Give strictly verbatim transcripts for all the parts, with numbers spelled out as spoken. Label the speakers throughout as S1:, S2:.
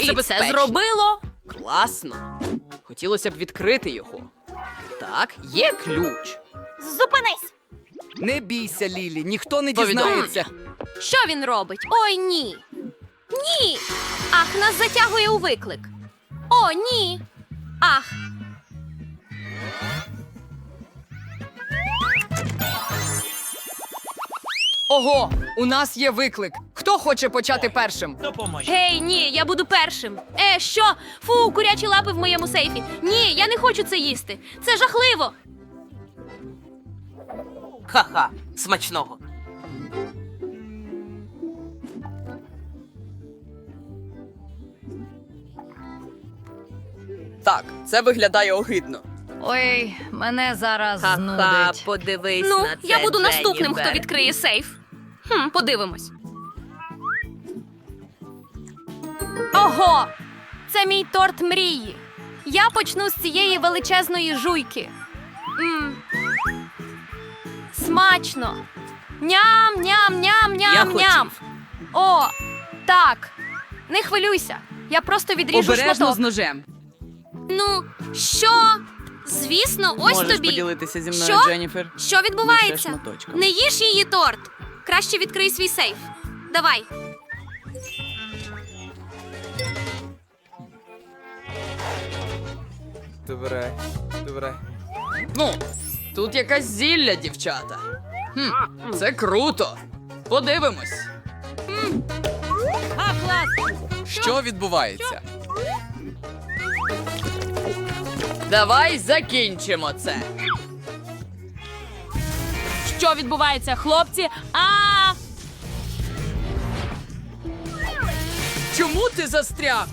S1: І
S2: це
S1: це зробило.
S2: Класно. Хотілося б відкрити його. Так, є ключ.
S1: Зупинись!
S3: Не бійся, Лілі, ніхто не
S2: Повідомлення.
S3: дізнається.
S1: Що він робить? Ой, ні. Ні. Ах, нас затягує у виклик. О, ні. Ах.
S3: Ого, у нас є виклик. Хто хоче почати першим?
S1: Гей, ні, я буду першим. Е, що? Фу, курячі лапи в моєму сейфі. Ні, я не хочу це їсти. Це жахливо.
S4: Ха-ха, смачного.
S2: Так, це виглядає огидно.
S5: Ой, мене зараз
S4: Ха-ха,
S5: знудить.
S4: подивись
S1: Ну,
S4: на це,
S1: я буду наступним,
S4: Дженніфер.
S1: хто відкриє сейф. Хм, подивимось. Ого! Це мій торт мрії. Я почну з цієї величезної жуйки. М. Смачно. Ням, ням, ням,
S4: Я
S1: ням, ням.
S4: хотів.
S1: О, так. Не хвилюйся. Я просто відріжу
S3: Обережно
S1: шматок.
S3: з ножем.
S1: Ну, що? Звісно, ось
S2: Можеш
S1: тобі.
S2: поділитися зі мною,
S1: Що?
S2: Дженніфер?
S1: Що
S2: Лише
S1: відбувається?
S2: шматочком.
S1: Не їж її торт. Краще відкрий свій сейф. Давай.
S3: Добре, добре. Ну, тут якась зілля, дівчата. Хм, це круто. Подивимось. Що відбувається? Давай закінчимо це.
S1: Що відбувається, хлопці? А!
S3: Чому ти застряг?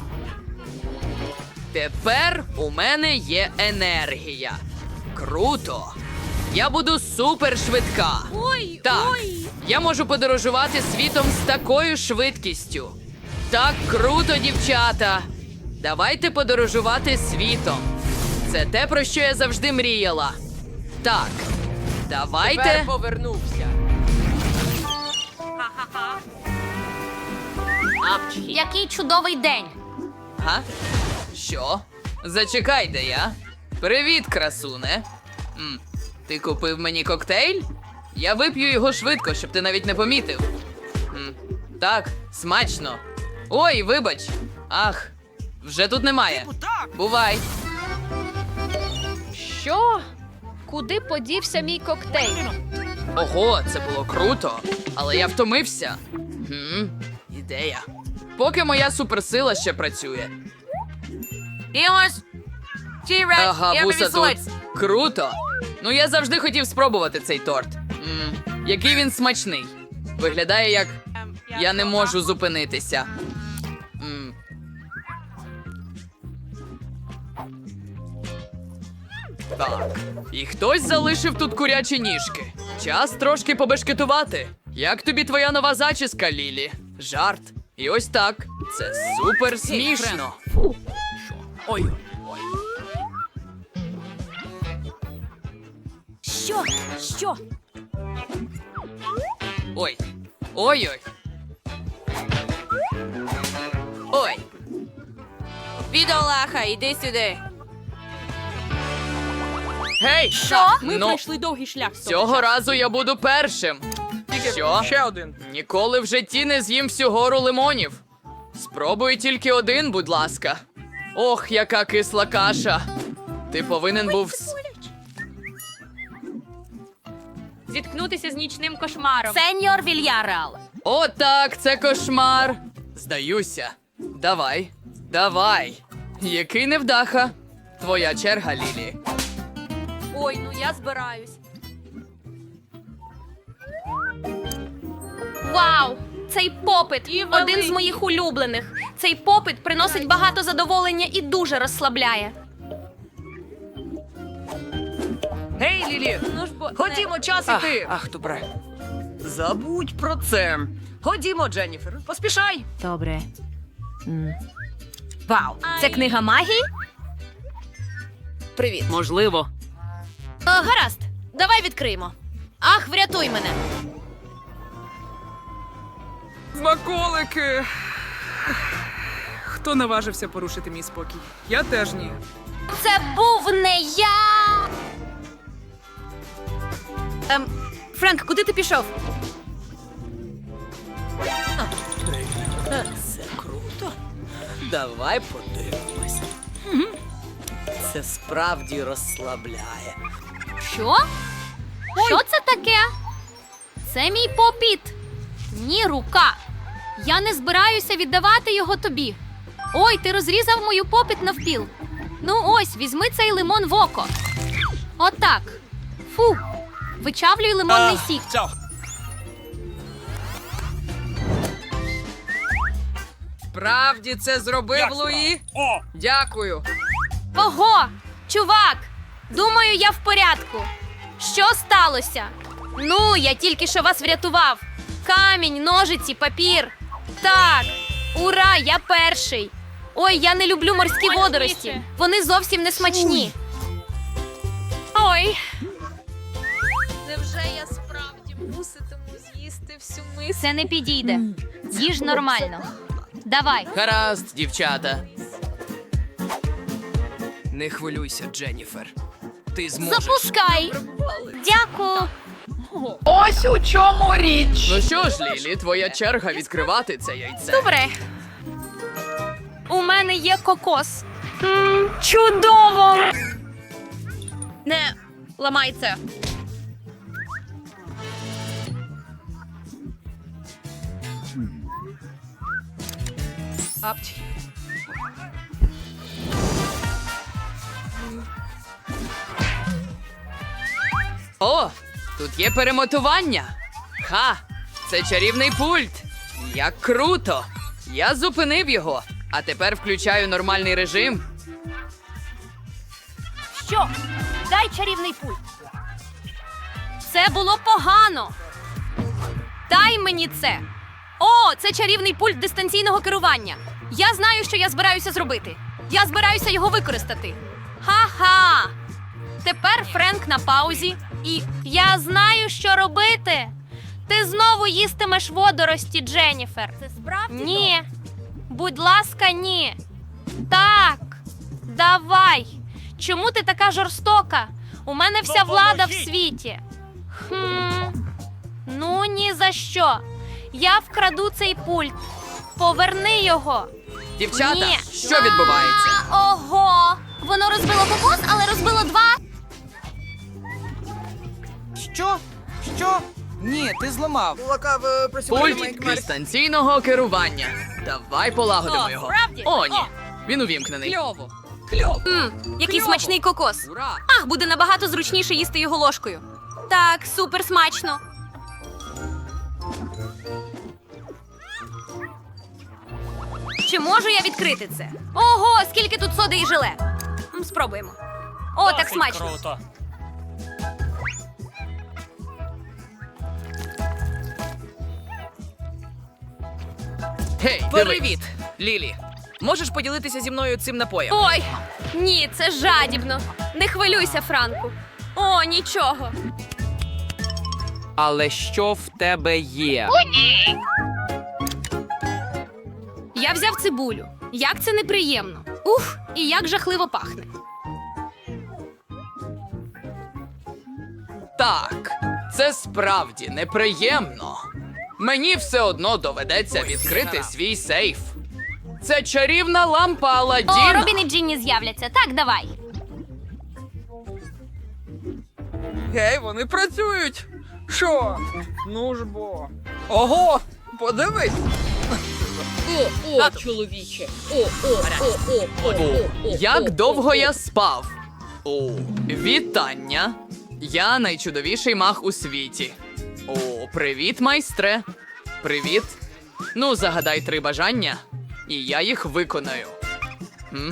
S3: Тепер у мене є енергія. Круто. Я буду супершвидка.
S1: Ой,
S3: Так,
S1: ой.
S3: я можу подорожувати світом з такою швидкістю. Так круто, дівчата. Давайте подорожувати світом. Це те, про що я завжди мріяла. Так, давайте.
S2: Тепер повернувся.
S1: Який чудовий день.
S3: Га? Що? Зачекай, де я. Привіт, красуне. М, ти купив мені коктейль? Я вип'ю його швидко, щоб ти навіть не помітив. М, так, смачно. Ой, вибач. Ах, вже тут немає. Бувай.
S5: Що? Куди подівся мій коктейль?
S3: Ого, це було круто. Але я втомився. Хм, ідея. Поки моя суперсила ще працює.
S1: Дімось.
S3: Ага, вуса тут. Круто. Ну я завжди хотів спробувати цей торт. М, який він смачний. Виглядає як я не можу зупинитися. М. Так. І хтось залишив тут курячі ніжки. Час трошки побешкетувати. Як тобі твоя нова зачіска, Лілі? Жарт. І ось так. Це супер смішно. Ой. Ой.
S1: Що? Що?
S3: Ой. Ой-ой. Ой.
S4: Бідолаха, іди сюди.
S3: Гей!
S1: Що?
S3: Ми ну, пройшли довгий шлях. Цього разу я буду першим. Що?
S2: Ще один.
S3: Ніколи в житті не з'їм всю гору лимонів. Спробуй тільки один, будь ласка. Ох, яка кисла каша. Ти повинен був. с-
S1: Зіткнутися з нічним кошмаром. Сеньор Вільярал.
S3: О, так, це кошмар. Здаюся. Давай, давай. Який невдаха. Твоя черга, Лілі.
S1: Ой, ну я збираюсь. Вау! Цей попит один з моїх улюблених. Цей попит приносить багато задоволення і дуже розслабляє.
S3: Гей, Лілі!
S1: Ну ж бо
S3: Ходімо, час
S2: Ах,
S3: іти.
S2: ах, добре. Забудь про це. Ходімо, Дженніфер, поспішай.
S5: Добре.
S1: Вау! Це книга магії?
S4: Привіт. Можливо.
S1: О, гаразд, давай відкриємо. Ах, врятуй мене.
S3: Смаколики.
S6: Хто наважився порушити мій спокій? Я теж ні.
S1: Це був не я. Ем, Френк, куди ти пішов?
S2: Це круто. Давай подивимось. Це справді розслабляє.
S1: Що? Що це таке? Це мій попіт. Ні, рука. Я не збираюся віддавати його тобі. Ой, ти розрізав мою попіт навпіл. Ну ось, візьми цей лимон в око. Отак. Фу. Вичавлюй лимонний сік.
S3: Справді це зробив Луї? Дякую.
S1: Ого! Чувак! Думаю, я в порядку. Що сталося? Ну, я тільки що вас врятував. Камінь, ножиці, папір. Так, ура, я перший. Ой, я не люблю морські водорості. Вони зовсім не смачні. Ой,
S5: Невже я справді муситиму з'їсти всю миску?
S1: це не підійде. Їж нормально. Давай.
S2: Гаразд, дівчата. Не хвилюйся, Дженніфер. Ти зможеш.
S1: Запускай. Дякую.
S3: Ну що ж, Лілі, твоя черга відкривати це яйце.
S1: Добре. У мене є кокос. М, чудово! Не ламай це.
S3: О, тут є перемотування. Ха! Це чарівний пульт. Як круто! Я зупинив його, а тепер включаю нормальний режим.
S1: Що? Дай чарівний пульт. Це було погано. Дай мені це. О, це чарівний пульт дистанційного керування. Я знаю, що я збираюся зробити. Я збираюся його використати. Ха-ха! Тепер Френк на паузі. І я знаю, що робити. Ти знову їстимеш водорості, Дженніфер. Це справді? Ні. Будь ласка, ні. Так. Давай. Чому ти така жорстока? У мене вся влада в світі. Хм. Ну, ні за що. Я вкраду цей пульт. Поверни його.
S3: Дівчата,
S1: Ні.
S3: що відбувається?
S1: А, ого. Воно розбило кокос, але розбило два.
S7: Що? Що? Ні, ти зламав.
S3: Пульт дистанційного керування. Давай полагодимо
S1: О,
S3: його.
S1: справді?
S3: О, ні.
S1: О.
S3: Він увімкнений.
S1: Кльово. Мм, який смачний кокос.
S3: Ура!
S1: Ах, буде набагато зручніше їсти його ложкою. Так, супер смачно. Чи можу я відкрити це? Ого, скільки тут соди і желе. М, Спробуємо. О, так смачно.
S8: Круто.
S2: Гей,
S3: Привіт,
S2: Лілі. Можеш поділитися зі мною цим напоєм?
S1: Ой, ні, це жадібно. Не хвилюйся, Франку. О, нічого.
S2: Але що в тебе є?
S1: Я взяв цибулю. Як це неприємно. Ух, і як жахливо пахне.
S3: Так, це справді неприємно. Мені все одно доведеться відкрити свій сейф. Це чарівна лампа
S1: О,
S3: Аладдіна.
S1: Робін і Джинні з'являться. Так, давай.
S7: Гей, вони працюють. Що? Ну ж бо. Ого! Подивись!
S3: О, як довго я спав? О, вітання. Я найчудовіший маг у світі. О, привіт, майстре. Привіт. Ну, загадай три бажання, і я їх виконаю. М?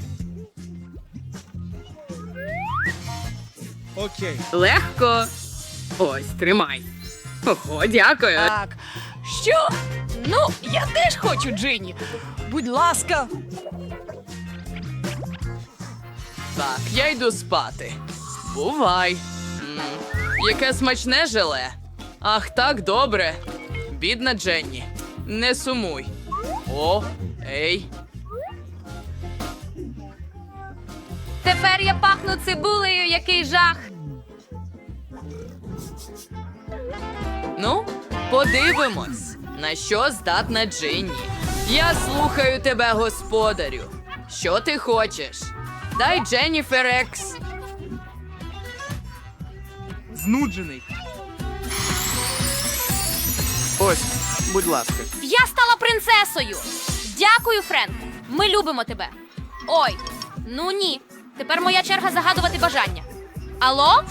S7: Окей.
S3: Легко. Ось, тримай. Ого, дякую.
S7: Так. Що? Ну, я теж хочу, Джинні. Будь ласка.
S3: Так, я йду спати. Бувай. М, яке смачне желе. Ах, так добре. Бідна Дженні. Не сумуй. О, ей.
S1: тепер я пахну цибулею, який жах.
S3: Ну, подивимось, на що здатна Джинні. Я слухаю тебе, господарю. Що ти хочеш? Дай Дженніфер Екс.
S6: Знуджений. Ось, будь ласка.
S1: Я стала принцесою. Дякую, Френк. Ми любимо тебе. Ой, ну ні. Тепер моя черга загадувати бажання. Алло?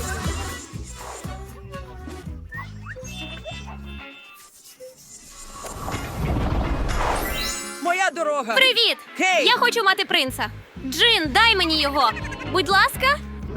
S8: Моя дорога!
S1: Привіт!
S8: Гей!
S1: Я хочу мати принца. Джин, дай мені його. Будь ласка.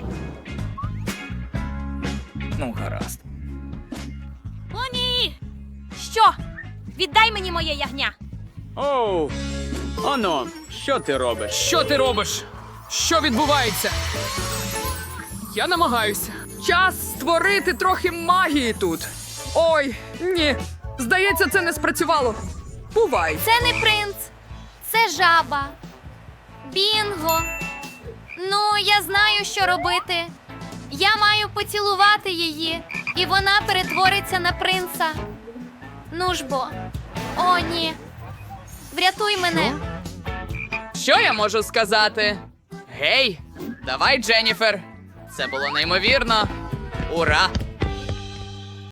S8: Ну, гаразд.
S1: О, ні! Що? Віддай мені моє ягня.
S9: Оу, оно, що ти робиш?
S6: Що ти робиш? Що відбувається? Я намагаюся. Час створити трохи магії тут. Ой, ні. Здається, це не спрацювало. Бувай.
S1: Це не принц, це жаба. Бінго. Ну, я знаю, що робити. Я маю поцілувати її, і вона перетвориться на принца. Ну ж бо. О, ні. Врятуй мене.
S3: Що я можу сказати? Гей, давай, Дженніфер. Це було неймовірно. Ура!